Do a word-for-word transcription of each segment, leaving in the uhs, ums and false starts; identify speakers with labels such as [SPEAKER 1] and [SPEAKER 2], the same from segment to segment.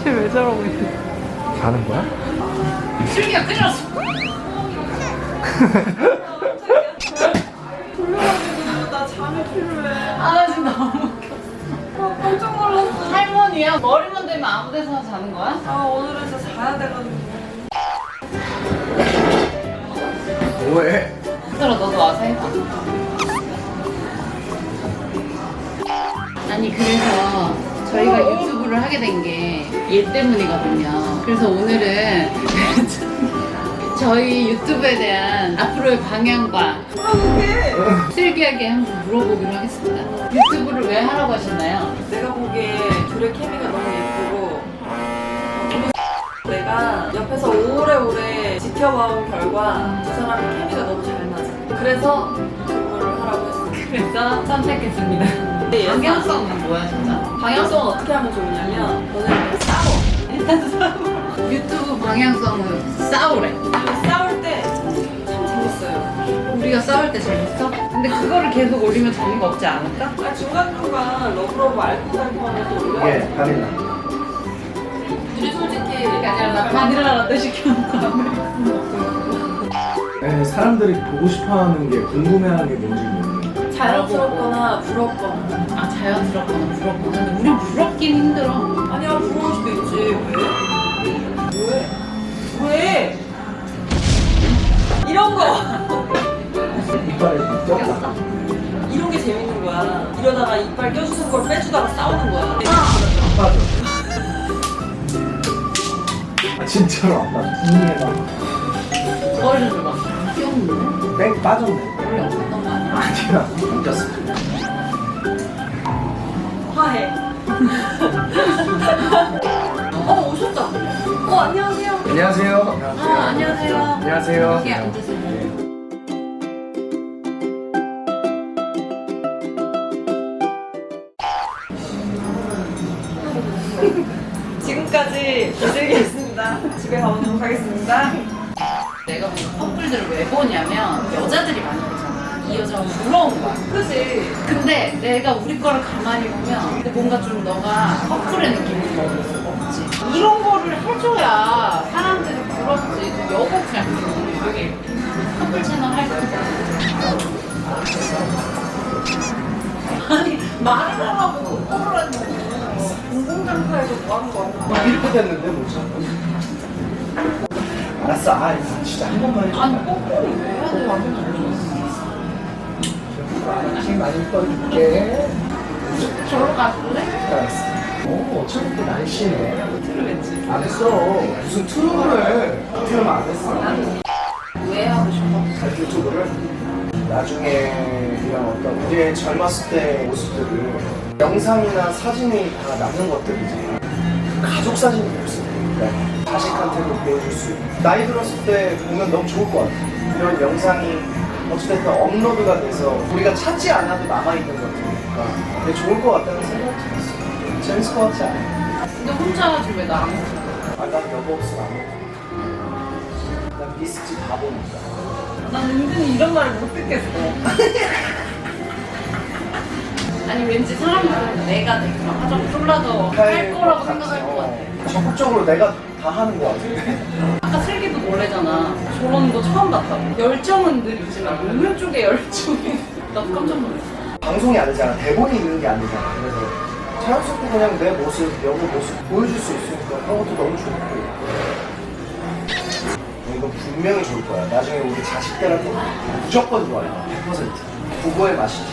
[SPEAKER 1] 쟤왜 저러고 있어?
[SPEAKER 2] 자는 거야?
[SPEAKER 1] 슬기가 끓였어.
[SPEAKER 3] 졸려가지고 나 잠이 필요해.
[SPEAKER 1] 아, 나 지금 너무 웃겨.
[SPEAKER 3] 아, 깜짝 놀랐어.
[SPEAKER 1] 할머니야? 머리만 대면 아무 데서나 자는 거야?
[SPEAKER 3] 아, 오늘은 진짜 자야 돼가지고.
[SPEAKER 2] 뭐해?
[SPEAKER 1] 들어, 너도 와서 해봐. 아니, 그래서 저희가 유튜브를 하게 된 게 얘 때문이거든요. 그래서 오늘은 저희 유튜브에 대한 앞으로의 방향과
[SPEAKER 3] 아, 그게
[SPEAKER 1] 슬기하게 한번 물어보기로 하겠습니다. 유튜브를 왜 하라고 하셨나요?
[SPEAKER 3] 내가 보기에 둘의 케미가 너무 예쁘고 너무 내가 옆에서 오래오래 지켜봐온 결과 두 사람의 케미가 너무 잘 맞아. 그래서 그거를 하라고 했어.
[SPEAKER 1] 그래서 선택했습니다. 방향성은 뭐야, 진짜?
[SPEAKER 3] 방향성은 어떻게 하면 좋으냐면 너네 그냥 싸워.
[SPEAKER 1] 일단 싸워. 유튜브 방향성은 싸우래.
[SPEAKER 3] 그리고 싸울 때 참 재밌어요.
[SPEAKER 1] 우리가 싸울 때 재밌어? 근데 그거를 계속 올리면 재미가 없지 않을까?
[SPEAKER 3] 아, 중간중간 러브러브 알콩달콩하면 또 올려.
[SPEAKER 2] 이게 바닐라.
[SPEAKER 3] 우리 솔직히
[SPEAKER 1] 그게 아니라 나 바닐라 라떼 시켜놓고
[SPEAKER 2] 에, 사람들이 보고 싶어하는 게 궁금해하는 게 뭔지 모르겠네.
[SPEAKER 3] 자연스럽거나 부럽거나.
[SPEAKER 1] 아, 자연스럽거나 부럽거나. 근데 우린 부럽긴 힘들어.
[SPEAKER 3] 아니야, 부러울 수도 있지. 왜? 왜? 왜? 이런 거!
[SPEAKER 2] 이빨에 꼈다.
[SPEAKER 3] 이런 게 재밌는 거야. 이러다가 이빨 껴주는 걸 빼주다가 싸우는 거야.
[SPEAKER 2] 안 빠져. 아, 진짜로 안 빠져. 이해가.
[SPEAKER 1] 머리를 줘봐. 귀엽네.
[SPEAKER 2] 뺑 빠졌네.
[SPEAKER 1] 원래 없었던 거 아니야?
[SPEAKER 2] 아니야. 안 꼈어.
[SPEAKER 3] 화해. 어, 오셨다. 어, 안녕하세요.
[SPEAKER 2] 안녕하세요.
[SPEAKER 3] 아, 안녕하세요.
[SPEAKER 2] 안녕하세요.
[SPEAKER 1] 여기 앉으세요.
[SPEAKER 3] 지금까지 이슬기였습니다. 집에 가보도록 하겠습니다.
[SPEAKER 1] 내가 보는 커플들을 왜 보냐면 여자들이 많이 보잖아. 이 여자가 부러운 거야.
[SPEAKER 3] 그치?
[SPEAKER 1] 근데 내가 우리 거를 가만히 보면 근데 뭔가 좀 너가 커플의 느낌이 먹을 수가 없지. 이런 거를 해줘야 사람들이 부럽지. 그 여복지 않고 여기 커플 채널 할 때. 아니 말을 하라고 커플 하냐고.
[SPEAKER 3] 공공장사에서 뭐 하는 거야?
[SPEAKER 2] 아, 이렇게 됐는데 뭐지? 알았어. 아, 진짜 한 번만 해줘.
[SPEAKER 1] 아니 거꾸로 왜 해야 돼? 완전
[SPEAKER 2] 알았지. 많이 떠줄게.
[SPEAKER 1] 저로 가줄래?
[SPEAKER 2] 알았어. 오, 어차피 또 날씨네.
[SPEAKER 3] 틀렸지?
[SPEAKER 2] 안 했어. 무슨 트름을 해. 트름 안 했어.
[SPEAKER 1] 왜 하고 싶어?
[SPEAKER 2] 잘 유튜브를 나중에 그냥 어떤 우리의 젊었을 때 모습들을 영상이나 사진이 다 남는 것들이지. 가족 사진이 없어. 그러니까 자식한테도 보여줄 수 있고 나이 들었을 때 보면 너무 좋을 것 같아. 이런 영상이 어찌됐든 업로드가 돼서 우리가 찾지 않아도 남아있는 것들이니까 되게 좋을 것 같다는 생각이 들었어. 재밌을 것 같지 않아?
[SPEAKER 1] 근데 혼자 하지 왜 나랑 하지?
[SPEAKER 2] 아, 난 여보 없으면 안 해. 난 미스지 바보니까.
[SPEAKER 3] 난 은근히 이런 말을 못 듣겠어.
[SPEAKER 1] 아니 왠지 사람들은 내가 되게 막 하자고 쫄라도 할 거라고 생각할 것 같아.
[SPEAKER 2] 어, 적극적으로 내가 다 하는 것 같은데.
[SPEAKER 1] 아까 슬기도 놀래잖아. 저런 거 처음 봤다고. 열정은 늘 있지만 오늘 쪽에 열정이 나도 깜짝 놀랐어.
[SPEAKER 2] 방송이 아니잖아. 대본이 있는 게 아니잖아. 그래서 자연스럽게 그냥 내 모습, 여보 모습 보여줄 수 있으니까 그런 것도 너무 좋고. 이건 분명히 좋을 거야. 나중에 우리 자식들한테 무조건 좋아요. 백 퍼센트. 그거의 맛이지.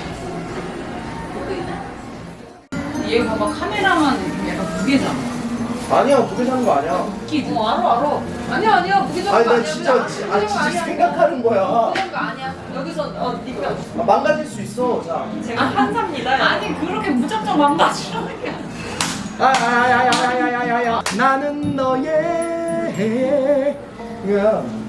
[SPEAKER 1] 얘 봐봐 카메라만 약간 무게잖아.
[SPEAKER 2] 아니야, 무게 사는 거 아니야.
[SPEAKER 1] 웃기지?
[SPEAKER 3] 어, 알아, 알아. 아니야, 아니야. 무기적인
[SPEAKER 2] 아니,
[SPEAKER 3] 거
[SPEAKER 2] 난
[SPEAKER 3] 아니야.
[SPEAKER 2] 진짜,
[SPEAKER 3] 그냥
[SPEAKER 2] 지- 아니,
[SPEAKER 3] 무기적인 거
[SPEAKER 2] 진짜
[SPEAKER 3] 아니야.
[SPEAKER 2] 생각하는 거야.
[SPEAKER 3] 무기적인 거 아니야. 여기서, 어, 니가.
[SPEAKER 2] 아, 망가질 수 있어. 자.
[SPEAKER 3] 제가 판사입니다.
[SPEAKER 1] 아니 그렇게 무작정 망가지라는 게 아니야.
[SPEAKER 2] 아야야야야야야야 나는 너의 야